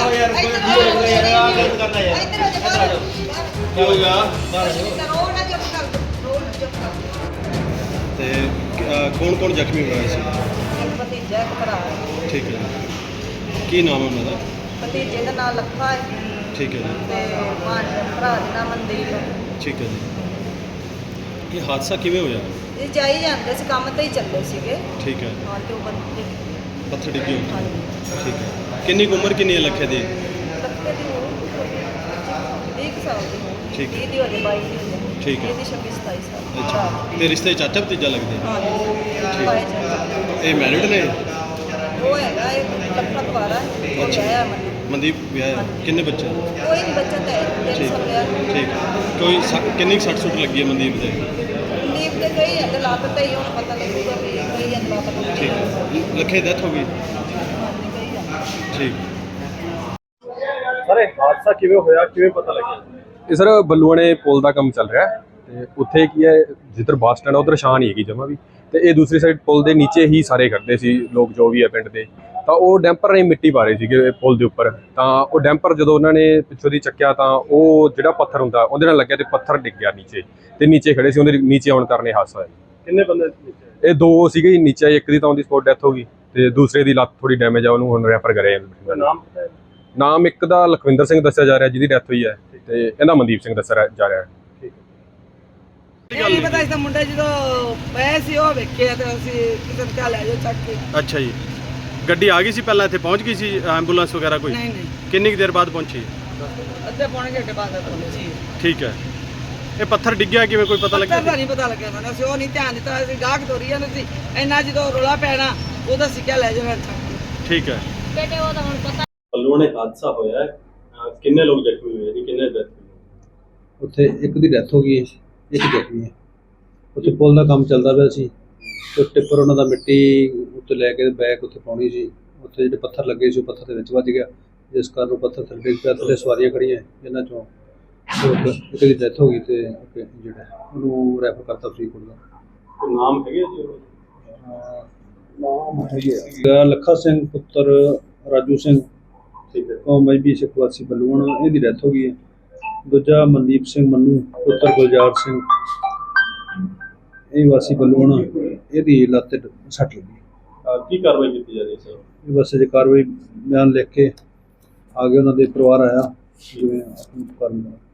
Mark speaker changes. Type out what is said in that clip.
Speaker 1: यार कोई यार आ गलत करना यार क्या हो गया
Speaker 2: ਤੇ ਕੌਣ ਕੌਣ ਜ਼ਖਮੀ ਹੋਇਆ ਸੀ?
Speaker 3: ਭਤੀਜਾ ਇੱਕ ਭਰਾ ਹੈ।
Speaker 2: ਠੀਕ ਹੈ ਜੀ। ਕੀ ਨਾਮ ਹੈ ਉਹਨਾਂ ਦਾ?
Speaker 3: ਭਤੀਜੇ ਦਾ ਨਾਮ ਲੱਖਾ ਹੈ
Speaker 2: ਠੀਕ ਹੈ ਜੀ।
Speaker 3: ਤੇ ਭਰਾ ਦਾ ਨਾਮ ਮਨਦੀਪ ਹੈ।
Speaker 2: ਠੀਕ ਹੈ ਜੀ। ਇਹ ਹਾਦਸਾ ਕਿਵੇਂ ਹੋਇਆ?
Speaker 3: ਇਹ ਜਾਈ ਜਾਂਦੇ ਸੀ, ਕੰਮ ਤੇ ਹੀ ਚੱਲੇ ਸੀਗੇ।
Speaker 2: ਠੀਕ ਹੈ।
Speaker 3: ਹਾਂ ਤੇ ਉਹ ਬੰਦੇ
Speaker 2: ਪੱਥਰ ਡਿੱਗੇ ਉੱਤੇ।
Speaker 3: ਹਾਂਜੀ
Speaker 2: ਠੀਕ ਹੈ। ਕਿੰਨੀ ਕੁ ਉਮਰ ਕਿੰਨੀ ਹੈ ਲੱਖੇ ਦੀ?
Speaker 3: ਲੱਖੇ ਦੀ ਹੋਊ 20 ਸਾਲ ਦੀ ਹੋਊ।
Speaker 2: ਠੀਕ ਹੈ।
Speaker 3: 30 ਦੀ ਹੋ ਜਾਏ 22 ਦੀ ਹੋ ਜਾਏ।
Speaker 2: ਠੀਕ ਹੈ।
Speaker 3: ਇਹਦੀ 26 27 ਸਾਲ
Speaker 2: ਅੱਛਾ ਤੇ ਰਿਸ਼ਤੇ ਚਾਚਾ ਭਤੀਜਾ ਲੱਗਦੇ?
Speaker 3: ਹਾਂਜੀ ਭਾਈ ਜੀ।
Speaker 2: ਇਹ ਮੈਰਿਡ ਨੇ?
Speaker 3: ਉਹ ਹੈਗਾ ਇਹ ਲੱਖਾ ਕੁਵਾਰਾ ਹੈ। ਉਹ
Speaker 2: ਅੱਛਾ।
Speaker 3: ਵਿਆਹਿਆ ਮਨ
Speaker 2: ਮਨਦੀਪ ਵਿਆਹ ਹੈ? ਕਿੰਨੇ ਬੱਚੇ?
Speaker 3: ਕੋਈ ਨਹੀਂ ਬੱਚਾ ਤਾਂ ਹੈ 3
Speaker 2: ਠੀਕ
Speaker 3: ਸਾਲ ਵਿਆਹ।
Speaker 2: ਠੀਕ ਕੋਈ ਕਿੰਨੀ ਕੁ ਸੱਟ ਸੁੱਟ ਲੱਗੀ ਹੈ ਮਨਦੀਪ ਦੇ?
Speaker 3: ਨੀਪ ਤੇ ਗਈ ਹੈ ਤੇ ਲਾਪਤਾ ਹੀ ਹੁਣ ਪਤਾ ਲੱਗੂਗਾ ਵੀ ਗਈ ਹੈ ਲਾਪਤਾ
Speaker 2: ਠੀਕ ਹੈ। ਲੱਖੇ ਡੈਥ ਹੋ ਗਈ?
Speaker 3: ਹਾਂਜੀ ਗਈ ਹੈ।
Speaker 2: ਠੀਕ। ਸਰ ਇਹ ਹਾਦਸਾ ਕਿਵੇਂ ਹੋਇਆ, ਕਿਵੇਂ ਪਤਾ ਲੱਗਿਆ?
Speaker 4: ਇਹ ਸਰ ਬੱਲੂਆਣੇ ਪੁਲ ਦਾ ਕੰਮ ਚੱਲ ਰਿਹਾ ਹੈ ਤੇ ਉੱਥੇ ਕੀ ਹੈ ਜਿੱਧਰ ਬੱਸ ਸਟੈਂਡ ਉਧਰ ਸ਼ਾਨ ਹੀ ਹੈਗੀ ਜਮਾ ਵੀ, ਤੇ ਇਹ ਦੂਸਰੀ ਸਾਈਡ ਪੁਲ ਦੇ ਨੀਚੇ ਹੀ ਸਾਰੇ ਖੜਦੇ ਸੀ ਲੋਕ ਜੋ ਵੀ ਹੈ ਪਿੰਡ ਦੇ, ਤਾਂ ਉਹ ਡੈਂਪਰ ਰਾਹੀਂ ਮਿੱਟੀ ਪਾ ਰਹੇ ਸੀਗੇ ਪੁਲ ਦੇ ਉੱਪਰ, ਤਾਂ ਉਹ ਡੈਂਪਰ ਜਦੋਂ ਉਹਨਾਂ ਨੇ ਪਿੱਛੋਂ ਦੀ ਚੱਕਿਆ ਤਾਂ ਉਹ ਜਿਹੜਾ ਪੱਥਰ ਹੁੰਦਾ ਉਹਦੇ ਨਾਲ ਲੱਗਿਆ ਤੇ ਪੱਥਰ ਡਿੱਗ ਗਿਆ ਨੀਚੇ, ਤੇ ਨੀਚੇ ਖੜੇ ਸੀ ਉਹਦੇ ਨੀਚੇ ਆਉਣ ਕਾਰਨ ਇਹ ਹਾਦਸਾ ਹੋਇਆ।
Speaker 2: ਕਿੰਨੇ ਬੰਦੇ ਨੀਚੇ?
Speaker 4: ਇਹ 2 ਸੀਗੇ ਨੀਚੇ, ਇੱਕ ਦੀ ਤਾਂ ਉਹਦੀ ਸਪੋਟ ਡੈਥ ਹੋ ਗਈ ਤੇ ਦੂਸਰੇ ਦੀ ਲੱਤ ਥੋੜੀ ਡੈਮੇਜ ਆ, ਉਹਨੂੰ ਹੁਣ ਰੈਫਰ ਕਰਿਆ।
Speaker 2: ਨਾਮ ਪਤਾ ਹੈ?
Speaker 4: ਨਾਮ ਇੱਕ ਦਾ ਲਖਵਿੰਦਰ ਸਿੰਘ ਦੱਸਿਆ ਜਾ ਰਿਹਾ ਜਿਹਦੀ ਡੈਥ ਹੋਈ ਹੈ, ਤੇ ਇਹਦਾ ਮਨਦੀਪ ਸਿੰਘ ਦੱਸਿਆ ਜਾ ਰਿਹਾ ਹੈ।
Speaker 3: ਇਹ ਨਹੀਂ ਪਤਾ ਇਸ ਦਾ ਮੁੰਡਾ ਜਦੋਂ ਪਏ ਸੀ ਉਹ ਵੇਖਿਆ ਤੇ ਅਸੀਂ ਕਿਤੇ ਕਿਆ ਲੈ ਜਾਓ ਚੱਕ ਕੇ।
Speaker 2: ਅੱਛਾ ਜੀ। ਗੱਡੀ ਆ ਗਈ ਸੀ ਪਹਿਲਾਂ ਇੱਥੇ ਪਹੁੰਚ ਗਈ ਸੀ ਐਂਬੂਲੈਂਸ ਵਗੈਰਾ ਕੋਈ?
Speaker 3: ਨਹੀਂ ਨਹੀਂ
Speaker 2: ਕਿੰਨੀ ਕੁ ਦੇਰ ਬਾਅਦ ਪਹੁੰਚੀ?
Speaker 3: ਅੱਧੇ ਪੌਣੇ ਘੰਟੇ ਬਾਅਦ ਪਹੁੰਚੀ।
Speaker 2: ਠੀਕ ਹੈ। ਇਹ ਪੱਥਰ ਡਿੱਗਿਆ ਕਿਵੇਂ, ਕੋਈ ਪਤਾ ਲੱਗਿਆ?
Speaker 3: ਨਹੀਂ ਪਤਾ ਲੱਗਿਆ ਸਾਨੂੰ, ਅਸੀਂ ਉਹ ਨਹੀਂ ਧਿਆਨ ਦਿੱਤਾ, ਅਸੀਂ ਗਾਹਕ ਤੋਰੀ ਜਾਂਦੇ ਸੀ ਇੰਨਾ ਜਦੋਂ ਰੋਲਾ ਪੈਣਾ ਉਹਦਾ ਸਿੱਕਿਆ ਲੈ ਜਾਣਾ ਚੱਕ ਕੇ।
Speaker 2: ਠੀਕ ਹੈ।
Speaker 3: ਬੇਟੇ ਉਹ ਤਾਂ ਹੁਣ ਪਤਾ
Speaker 2: ਬੱਲੂਆਣੇ ਹਾਦਸਾ ਹੋਇਆ ਹੈ, ਕਿੰਨੇ ਲੋਕ ਜ਼ਖਮੀ ਹੋਏ ਜੀ, ਕਿੰਨੇ ਡੈਥ ਹੋਈ?
Speaker 5: ਉੱਥੇ ਇੱਕ ਦੀ ਡੈਥ ਹੋ ਗਈ ਹੈ, ਇੱਕ ਜ਼ਖਮੀ ਹੈ। ਉੱਥੇ ਪੁਲ ਦਾ ਕੰਮ ਚੱਲਦਾ ਪਿਆ ਸੀ ਤੇ ਟਿੱਪਰ ਉਹਨਾਂ ਦਾ ਮਿੱਟੀ ਉੱਤੇ ਲੈ ਕੇ ਬੈਕ ਉੱਥੇ ਪਾਉਣੀ ਸੀ, ਉੱਥੇ ਜਿਹੜੇ ਪੱਥਰ ਲੱਗੇ ਸੀ ਉਹ ਪੱਥਰ ਦੇ ਵਿੱਚ ਵੱਜ ਗਿਆ, ਜਿਸ ਕਾਰਨ ਉਹ ਪੱਥਰ ਥੱਲੇ ਡਿੱਗ ਪਿਆ। ਥੱਲੇ ਸਵਾਰੀਆਂ ਖੜੀਆਂ ਜਿਨ੍ਹਾਂ ਚੋਂ ਇੱਕ ਦੀ ਡੈਥ ਹੋ ਗਈ ਤੇ ਜਿਹੜਾ ਉਹਨੂੰ ਰੈਫਰ ਕਰਤਾ ਫਰੀਦਕੋਟ ਦਾ।
Speaker 2: ਕੋਈ ਨਾਮ ਹੈਗੇ ਜੀ?
Speaker 5: ਨਾਮ ਹੈਗਾ ਲੱਖਾ ਸਿੰਘ ਪੁੱਤਰ ਰਾਜੂ ਸਿੰਘ,
Speaker 2: ਠੀਕ ਹੈ।
Speaker 5: ਉਹ ਮਜਬੀ ਸਿੱਖ ਵਾਸੀ ਬੱਲੂਆਣਾ, ਇਹਦੀ ਡੈਥ ਹੋ ਗਈ ਹੈ। ਦੂਜਾ ਮਨਦੀਪ ਸਿੰਘ ਮੰਨੂ ਪੁੱਤਰ ਗੁਲਜ਼ਾਰ ਸਿੰਘ, ਇਹ ਵਾਸੀ ਬੱਲੂਆਣਾ, ਇਹਦੀ ਲੱਤ ਤੇ ਸੱਟ ਲੱਗੀ।
Speaker 2: ਕੀ ਕਾਰਵਾਈ ਕੀਤੀ ਜਾ ਰਹੀ ਹੈ ਸਰ?
Speaker 5: ਇਹ ਬਸ ਅਜੇ ਕਾਰਵਾਈ ਬਿਆਨ ਲਿਖ ਕੇ ਆ ਗਏ, ਉਹਨਾਂ ਦੇ ਪਰਿਵਾਰ ਆਇਆ ਜਿਵੇਂ ਕਰਨ ਦਾ